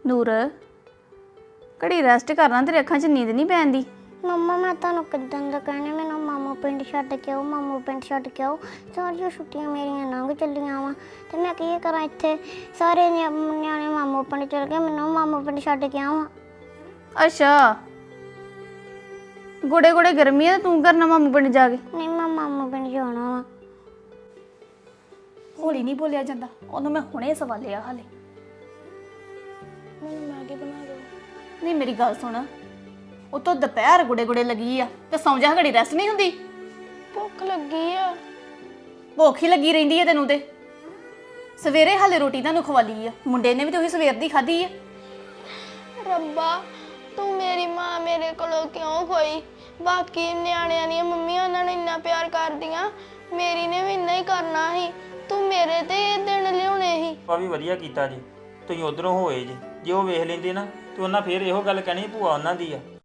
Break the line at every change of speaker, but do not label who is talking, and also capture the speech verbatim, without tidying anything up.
ਨੂਰ ਘੜੀ ਰੈਸਟ ਕਰਨਾ, ਤੇਰੇ ਅੱਖਾਂ 'ਚ ਨੀਂਦ ਨਹੀਂ ਪੈਂਦੀ?
ਮੰਮਾ ਮੈਂ ਤੁਹਾਨੂੰ ਕਿੱਦਾਂ ਦਾ ਕਹਿਣਾ, ਮੈਨੂੰ ਮਾਮੂ ਪਿੰਡ ਛੱਡ ਕੇ ਆਓ, ਮਾਮੂ ਪਿੰਡ ਛੱਡ ਕੇ ਆਓ। ਸਾਰੀਆਂ ਛੁੱਟੀਆਂ ਮੇਰੀਆਂ ਲੰਘ ਚੱਲੀਆਂ ਵਾ ਤੇ ਮੈਂ ਕੀ ਕਰਾਂ ਇੱਥੇ? ਸਾਰੇ ਨਿਆ- ਨਿਆਣੇ ਮਾਮੂ ਪਿੰਡ ਚਲ ਗਏ, ਮੈਨੂੰ ਮਾਮੂ ਪਿੰਡ ਛੱਡ ਕੇ ਆਵਾਂ।
ਅੱਛਾ, ਗੋੜੇ ਗੋੜੇ ਗਰਮੀ ਆ ਤੇ ਤੂੰ ਕਰਨਾ ਮਾਮੂ ਪਿੰਡ ਜਾ ਕੇ?
ਨਹੀਂ ਮੈਂ ਮਾਮੂ ਪਿੰਡ ਜਾਣਾ ਵਾ।
ਹੌਲੀ ਨਹੀਂ ਬੋਲਿਆ ਜਾਂਦਾ, ਉਹਨੂੰ ਮੈਂ ਹੁਣੇ ਸਵਾਲਿਆ ਹਾਲੇ।
ਮੈਨੂੰ ਮੈਗੀ ਬਣਾ ਦਿਓ।
ਨਹੀਂ ਮੇਰੀ ਗੱਲ ਸੁਣ, ਉਹ ਤੋਂ ਦੁਪਹਿਰ ਗੁੜੇ ਗੁੜੇ ਲੱਗੀ ਆ ਤੇ ਸੌਂ ਜਾ, ਘੜੀ ਰੈਸਟ ਨਹੀਂ ਹੁੰਦੀ?
ਭੁੱਖ ਲੱਗੀ ਆ।
ਭੁੱਖ ਹੀ ਲੱਗੀ ਰਹਿੰਦੀ ਹੈ ਤੈਨੂੰ ਤੇ। ਸਵੇਰੇ ਹਾਲੇ ਰੋਟੀ ਤੁਹਾਨੂੰ ਖਵਾਲੀ ਆ, ਮੁੰਡੇ ਨੇ ਵੀ ਤੇ ਉਹੀ ਸਵੇਰ ਦੀ ਖਾਧੀ ਆ।
ਰੱਬਾ ਤੂੰ ਮੇਰੀ ਮਾਂ ਮੇਰੇ ਕੋਲੋਂ ਕਿਉਂ ਖੋਈ? ਬਾਕੀ ਨਿਆਣਿਆਂ ਦੀਆਂ ਮੰਮੀਆਂ ਉਹਨਾਂ ਨੂੰ ਇੰਨਾ ਪਿਆਰ ਕਰਦੀਆਂ, ਮੇਰੀ ਨੇ ਵੀ ਇੰਨਾ ਹੀ ਕਰਨਾ ਸੀ। ਤੂੰ ਮੇਰੇ ਤੇ ਇਹ ਦਿਨ ਲਿਆਉਣੇ ਸੀ।
ਆ ਵੀ ਵਧੀਆ ਕੀਤਾ ਜੀ, ਤੁਸੀਂ ਉਧਰੋਂ ਹੋਏ ਜੀ। ਜੇ ਉਹ ਵੇਖ ਲੈਂਦੇ ਨਾ ਤੇ ਉਹਨਾਂ ਫੇਰ ਇਹੋ ਗੱਲ ਕਹਿਣੀ ਭੂਆ ਉਹਨਾਂ ਦੀ ਆ।